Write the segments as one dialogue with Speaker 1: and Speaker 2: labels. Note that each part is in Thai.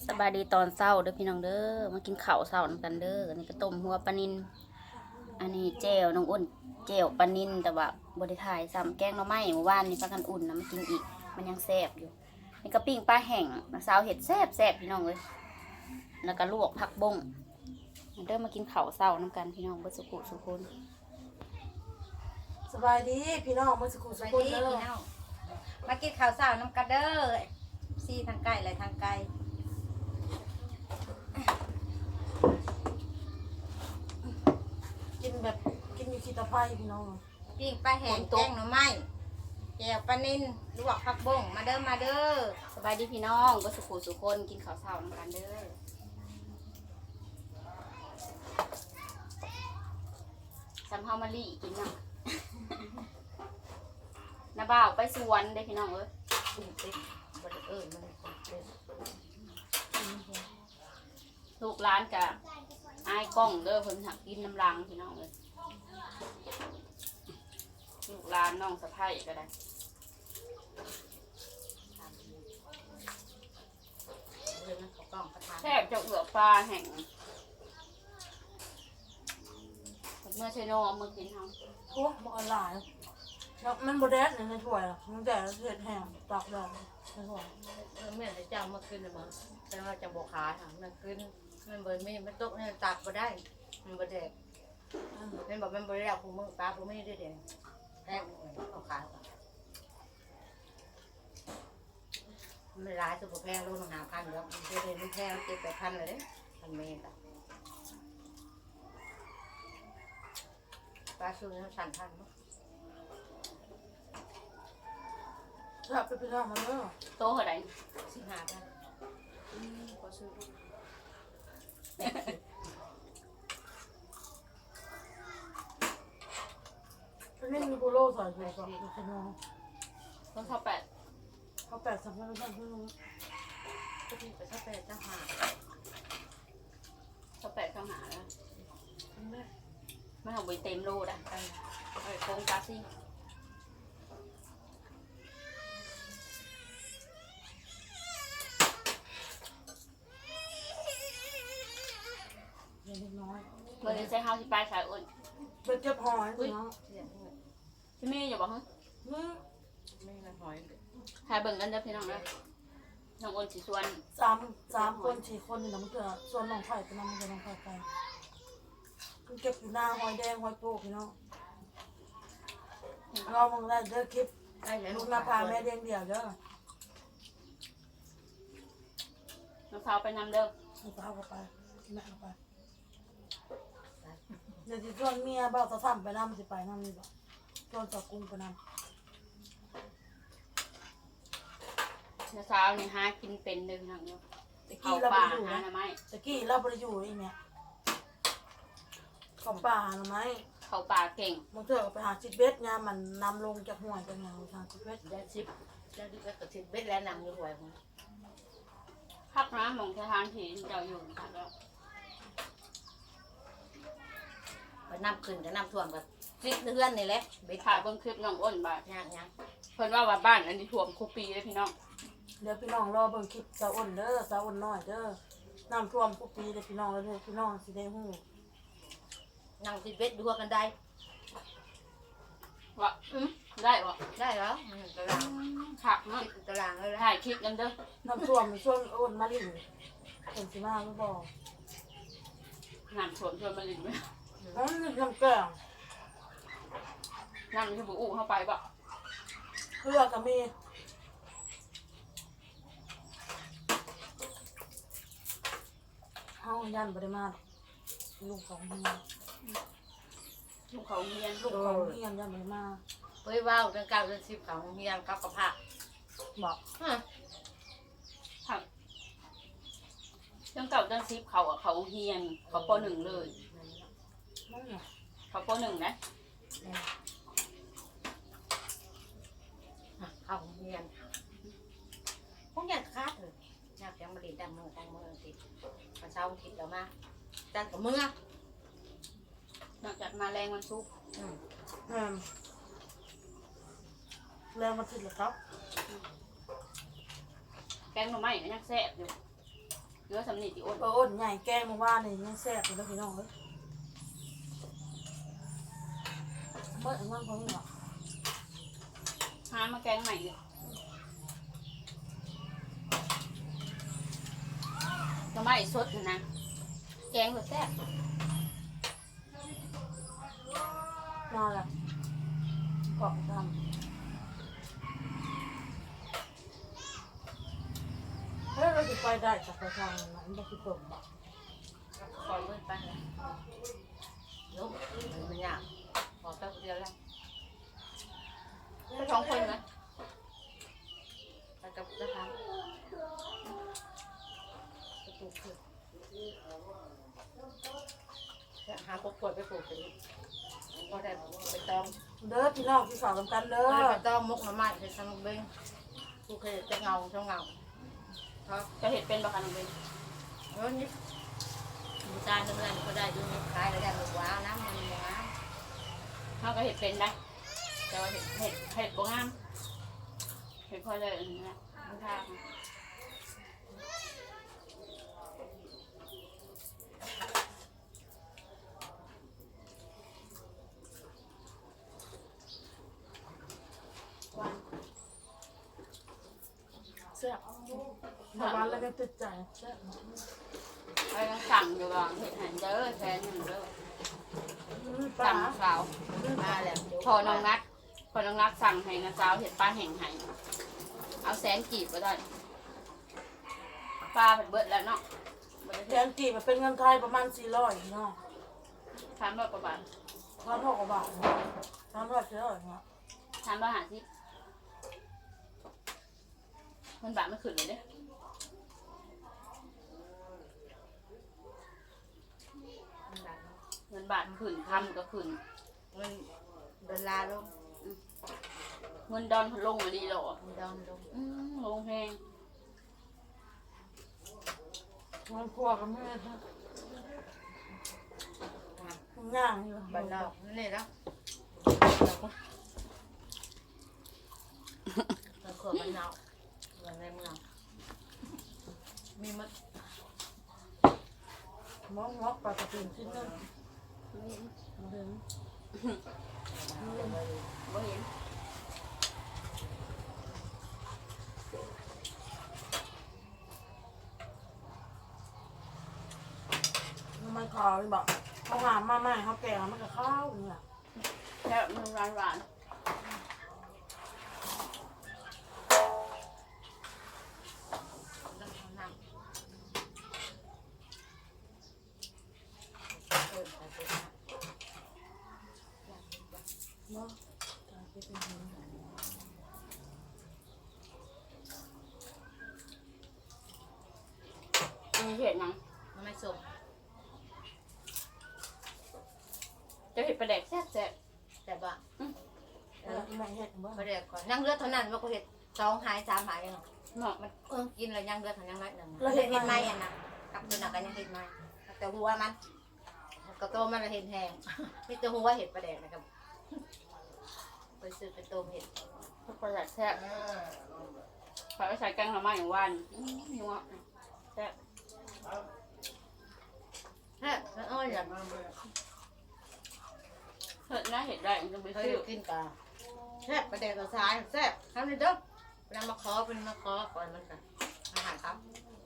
Speaker 1: สบายดีตอนเช้าเด้อพี่น้องเด้อมากินข้าวเช้านำกันเด้ออันนี้ก็ต้มหัวปลานิลอันนี้แจ่วน้องอ้นแจ่วปลานิลแต่ว่าบ่ได้ถ่ายซ้ำแกงหน่อไม้เมื่อวานนี่พากันอุ่นนะมากินอีกมันยังแซ่บอยู่นี่ก็ปิ้งปลาแห้งน้าสาวเฮ็ดแซ่บพี่น้องเอ้ยแล้วก็ลวกผักบงเด้อมากินข้าวเช้านำกันพี่น้องเบิดสุขุสุคน
Speaker 2: สบายดีพี่น้องมาสุขุสุ
Speaker 3: ไป
Speaker 2: ขุ
Speaker 3: ดี
Speaker 2: เด้อ
Speaker 3: พี่น้องมากินข้าวเช้าน้ำกันเด้อซีทางไก่อะไรทางไก่
Speaker 2: กินแบบกินอยู่ขี้ตะไคร้พี่น้อง
Speaker 3: ปิ้งปลาแห้งแกงหน่อไม้แจ่วปลานิ่นลวกผักบงมาเด้อมาเด้อ
Speaker 1: สบายดีพี่น้องเบิดสุขุสุคนกินข้าวเช้านำกันเด้อซ้ำเฮามาลี่กินเนาะ น้าบ่าวไปสวนเด้อพี่น้องเอ้ย
Speaker 3: บ่ได้มันเป็น
Speaker 1: ลูกร้านกับอายกล้องเด้อเพิ่นหักกินน้ำลังพี่น้องเลยลูกร้านน้องสะใภ้ก็ได้แทบจะเอือกปลาแห่งเมื่อเชโนเอามากินเฮา
Speaker 2: โอ้บ่ออนไลน์แล้วมันบ่แดดในถ้วยอ่ะมันแดดเผ็ดแห้งตากแดดในถ้วย
Speaker 4: เมื่อเจ้ามาขึ้นเลยมั้งแต่ว่าจะบอกขายมันขึ้นมันเบิร์ไม่มันตกเนี่ยตัดมาได้มันบดแดกมันบอกมันบดแล้วผมมือปลาผมไม่ได้เด็ดแรกเอาขายมันร้ายสุดแพงรู้หาพันแล้วมันจะเป็นแพง7-8,000เลย1,000 เมตรปลาชูนี่สั่นพันมั้ง
Speaker 2: ถ้าไปพี่น้องมาเด้อ
Speaker 1: โตเท่าไหร่
Speaker 4: 15,000
Speaker 1: ขอซื้อ
Speaker 2: เป็นนี่มีโปโลใส่ด้วยกับพี่น้อง
Speaker 1: ต้องเท่า8
Speaker 2: เขาแปดสับแล้วสั่งพี่น้อง
Speaker 4: ก็ที่ไปถ้าเป็นเจ้าหา
Speaker 1: เท่า8เข้าหาแล้วไม่ทำใบเต็มโลดอ่ะเอาไปโค้งกาซี่
Speaker 2: เล็กน้อย
Speaker 1: เมื่อใช้เฮาสิไปสายอ้น
Speaker 2: ไปเก็บหอยพี่น้อง
Speaker 1: พี่เมย์อย่าบอกฮะ
Speaker 4: ไม่ละหอย
Speaker 1: ถ่ายเบิ่งกันเด้อพี่น้องเด้อน้องอ้นสิชวน
Speaker 2: สามคน4 คนนี่นะมันเกิดส่วนน้องไผ่ไปนำมันจะน้องไผ่ไปมันเก็บอยู่หน้าหอยแดงหอยโป๊กพี่น้องเรามองได้เด้อคลิป
Speaker 4: ได้แล้ว
Speaker 2: ลูกนาพาแม่เลี้ยงเดี่ยวเด้อ
Speaker 1: น้องสาวไปนำเด้อ
Speaker 2: ลูกสาวก็ไปแม่ก็ไปเดี๋ยวจะชวนเมียบ่าวสะซ้ำไปนำสิไปนำนี่บ่ชวนสาวกุ้งไปนำ
Speaker 1: น้าสาวนี่หากินเป็นเด้อพี่น้องเด้อ
Speaker 2: ตะ
Speaker 1: เข้า
Speaker 2: กี้เรา
Speaker 1: ป่า
Speaker 2: ไปอยู่
Speaker 1: หา
Speaker 2: นะ
Speaker 1: หน่อไม้
Speaker 2: ตะกี้เราไปอยู่ไอ้เนี่ยของป่าหน่อไม้
Speaker 1: เข้าป่าเก่ง
Speaker 2: มันเถอะไปหาชิดเบ็ดเนี่ยมันนำลงจากห้วยจากอย่างทางชิดเบ็ด
Speaker 4: ได้ชิปได้ดิบก็ติดเบ็ดแล้วนำอยู่หวยผม
Speaker 1: พักนะหมองสถานที่เจ้าอยู่ค่ะแล้ว
Speaker 4: ไปนำขึ้นก็นำท่วมกับฟิตเพื่อนนี่แหละเบ็ด
Speaker 1: ถ่ายเบิ่งคลิปน้องอ้นบ่า
Speaker 4: ย่าง
Speaker 1: เพิ่นว่าบ้านอันนี้ท่วมคุปีเลยพี่น้อง
Speaker 2: เดี๋ยวพี่น้องรอเบิ่งคลิปสาวอ้นเด้อสาวอ้นน้อยเด้อน้ำท่วมทุกปีเลยพี่น้องแล้วเด้อพี่น้องสิได้ฮู้
Speaker 4: นั่งติดเบ็ดดูกันได้
Speaker 1: ว่าได้บ่
Speaker 4: ได้แล้วตาราง
Speaker 1: ขักเนาะ
Speaker 4: ตารางเลย
Speaker 1: ถ่ายคลิปกันเด้อ
Speaker 2: น้ำท่วมในช่วงอ้นมาลิ่นเป็นสิมาไม่บอก
Speaker 1: น้ำท่วมชวนมาลินไหม
Speaker 2: อ๋อนี่น้ำแกง
Speaker 1: น้ำที่บุอู้เข้าไปบ่
Speaker 2: เพื่อก็มีเฮายันบ่ได้มาลูกของเฮีย
Speaker 1: ลูกเขาเรียน
Speaker 2: ลูกของเฮียยันบ่ได้มา
Speaker 4: เฮ้ยว้าวเดือน9เดือน10ของเฮียนกับกระเพาะ
Speaker 2: บอก
Speaker 1: ผักเรื่องเก่าเรื่องซิปเขาอะเขาเฮียนเขาป .1 เลย
Speaker 2: นั่นน่ะ
Speaker 1: เขาป .1 นะ
Speaker 4: เข้าเฮียนพวกยังคาดเลยอยากยังมาเรียนดังมือติดมาเช้าติดแล้วมาจันกับมือน
Speaker 1: อกจากมาแรงวันซุกร์
Speaker 2: แรงมาถึงแล้วครับ
Speaker 1: แกงหน่อไม้ก็ยังแซ่บอยู่เนื้อสำนีติอ้น
Speaker 2: อ้นใหญ่แกงมาว่านี่ยังแซ่บอยู่แล้วพี่น้องเอ้ยเมื่อวันพอนี่หรอ
Speaker 1: หามาแกงใหม่เลยก็ไม่สดนะแกงก็แซ่บ
Speaker 2: มาละกรอบทำเฮ้ยเราจะไปได้จากไปทางนั้นไม่คิดตกบ่
Speaker 4: คอยมืดไปแล้วลุกมันยากพอแป๊บเดียวแล้ว
Speaker 1: ไปท้องคนไหม
Speaker 4: ไปกับนะคะไปปลูกคือหาพวกขวดไปปลูกสิก็ได้ไปตอง
Speaker 2: เด้อพี่น้องที่สาวทำกันเด้อ
Speaker 4: ไปตองมุกน้ำมันไปทำเบ้งปลูกเคยจะเงาช่องเงาครับ
Speaker 1: จะเห็ดเป็นปะคะน้องเบน
Speaker 4: นี่ดูตาเนื้อก็ได้ดูนี่ขายแล้วได้หมดว้าวน้ำมันว้าว
Speaker 1: เขาก็เห็ดเป็นได้แต่ว่าเห็ดบ่งามเห็ดพอเลยอันนี้นะไม่ทราบ
Speaker 2: แซ่บชาวบ้านแล้วก็ติดใจแซ่บ
Speaker 1: ไปก็สั่งอยู่ก่อนเห็ดหันเด้อแทนหนึ่งเด้อ
Speaker 2: ปลา
Speaker 1: สั่งสาว
Speaker 4: มาแล้ว
Speaker 1: พอน้องนัดสั่งให้นะสาวเห็ดปลาแห้งให้เอาแสนกีบก็ได้ปลาเผ็ดเบิดแล้วเนาะ
Speaker 2: แทนกี่มันเป็นเงินไทยประมาณ400เนาะ
Speaker 1: ทำแบบประมาณ
Speaker 2: 1,600 กว่าบาท300เนาะ
Speaker 1: ทำแบบหาที่มันบาทไม่ขึ้นเลยเด้เงินบาทขึ้นทำก็ขึ้น
Speaker 4: เงินดอลลาร์ลง
Speaker 1: เงินดอนลงมาดีหรอ
Speaker 4: เงินดอลลง
Speaker 1: ลงแพง
Speaker 2: มันครัวกับแม่ท่านย่างอยู่
Speaker 4: บ้านนอกนี่แล้วเราขวบ้านนอกเมืองในเมืองมีมัด
Speaker 2: มอกปลากระปิ่นชิ้นนึงมาถึง
Speaker 1: บ่เห็น
Speaker 2: มันขาวเลยบอกเขาหามมาใหม่เขาแก่มันกับข้าวเนี่ย
Speaker 1: แค่มันหวาน
Speaker 4: น้ำน้ำเออใส่ปุ๋ย
Speaker 2: เนาะตายไปเป็นหิน
Speaker 1: มีเห็ดยัง
Speaker 4: มันไม่สุก
Speaker 1: จะเห็ดปลาแดกแซ่บ
Speaker 4: แต่ว่า
Speaker 2: แม่เห็ดบ่
Speaker 4: ประเดี๋ยวก่อนยังเลือดเท่านั้นว่ากูเห็ด2 หาย 3 หายเนาะ
Speaker 1: เนาะ
Speaker 4: มันกินแล้วยังเลือดเท่ายังน้อยหนึ่งเราเห็ดไหมอ่ะนะกับตัวหนักกันยังเห็ดไหมแต่หัวมันกระโตมันเห็ดแห้งมีแต่หัวเห็ดประเดี๋ยวนะครับไปซื้อเป็นต้มเห็ด
Speaker 1: ปลาแดกแซ่บใส่ไปใส่แกงหน่อไม้อย่างวันนัวแซ่บ
Speaker 4: แซ่บแล้วอ้อยอย่าง
Speaker 1: เห็ดน่าเห็ดได้มันจะไป
Speaker 4: เคย
Speaker 1: ซื้อ
Speaker 4: กินกับแซ่บประเดี๋ยวตัวซ้ายแซ่บทำเลยเด้อเวลามาขอเป็นมาขอก่อนมันกันอาหารครับ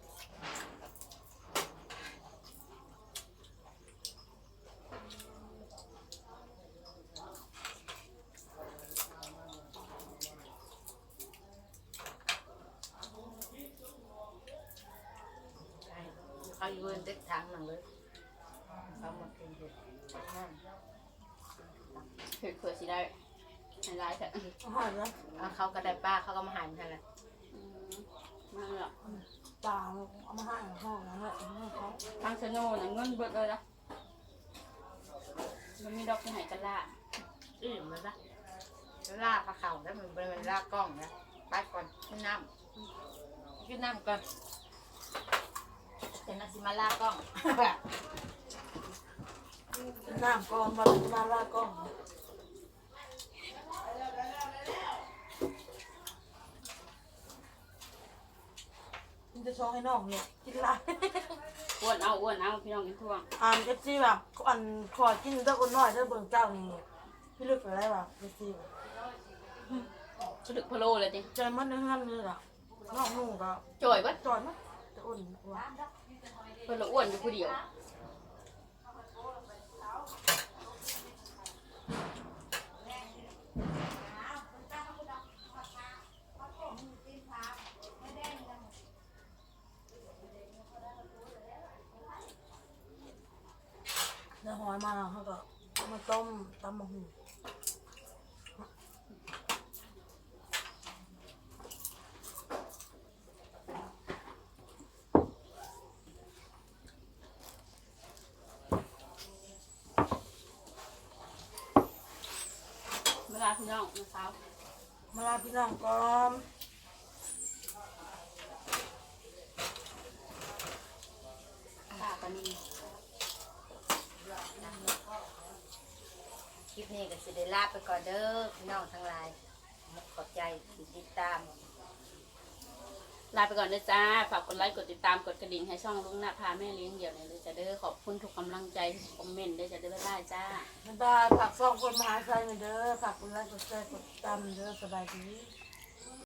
Speaker 4: เขาอยู่บนเด็กทางหนังเลยเขามากินเห็ดนั่น
Speaker 1: เห็ดเผื่อสิได้ให้ร้ายแต่
Speaker 2: อาหารนะ
Speaker 4: เขาก็ได้ป้าเขาก็มาหายมันแหละ
Speaker 1: นั่นแหละ
Speaker 2: ปลาเอามาให้ห้องนั่นแหละให้เขา
Speaker 1: ทางเซโน่น่ะเงินเบิดเลยนะมันมีดอกที่ไหนกันล่ะ
Speaker 4: อิ่มเลยนะลากปลาเข่าแล้วมันลากกล้องนะไปก่อนกินน้ำก่อนแต่น่าสิมาลากกล้อง
Speaker 2: น้ำก่อนวันมาลาก่อนมันจะชองให้น้องเนี่ยกินหลาย
Speaker 1: อ้วนเอาพี่น้องกินทั่ว
Speaker 2: เอฟซีแบบขอกินเจ้าคนน้อยเจ้าเบิ่งเจ้านี่พี่ลึกอะไรวะเอฟซี
Speaker 1: สลึกพะโลเลยจิ
Speaker 2: ใจมันเนื้อหันเลยล่ะน้องนุ่งก็
Speaker 1: จ่อยบัด
Speaker 2: จอยมั้ยจะอุ่นว่ะ
Speaker 1: เพิ่นละอ้วนอยู่ผู้เดียว
Speaker 2: เนื้อหอยมาเขาก็มาต้มตำมะฮู
Speaker 1: เวลาพี่น้องมื้อเช้า
Speaker 2: มาลาพี่น้องก่อน
Speaker 1: ป้าปานิน
Speaker 3: คลิปนี้ก็สิได้ลาไปก่อนเด้อพี่น้องทั้งหลายขอบใจที่ติดตาม
Speaker 1: ลาไปก่อนเด้อจ้าฝากกดไลค์กดติดตามกดกระดิ่งให้ช่องลุงหน้าพาแม่เลี้ยงเดี่ยวหน่อยเลยจ้าเด้อขอบคุณทุกกำลังใจทุกคอมเมนต์เด้อจ้าเด้อบ๊ายบายจ้า
Speaker 2: บ๊ายบายฝากซ่องคนมหาชัยหน่อยเด้อฝากกดไลค์กดแชร์กดติดตามเด้อสบายดี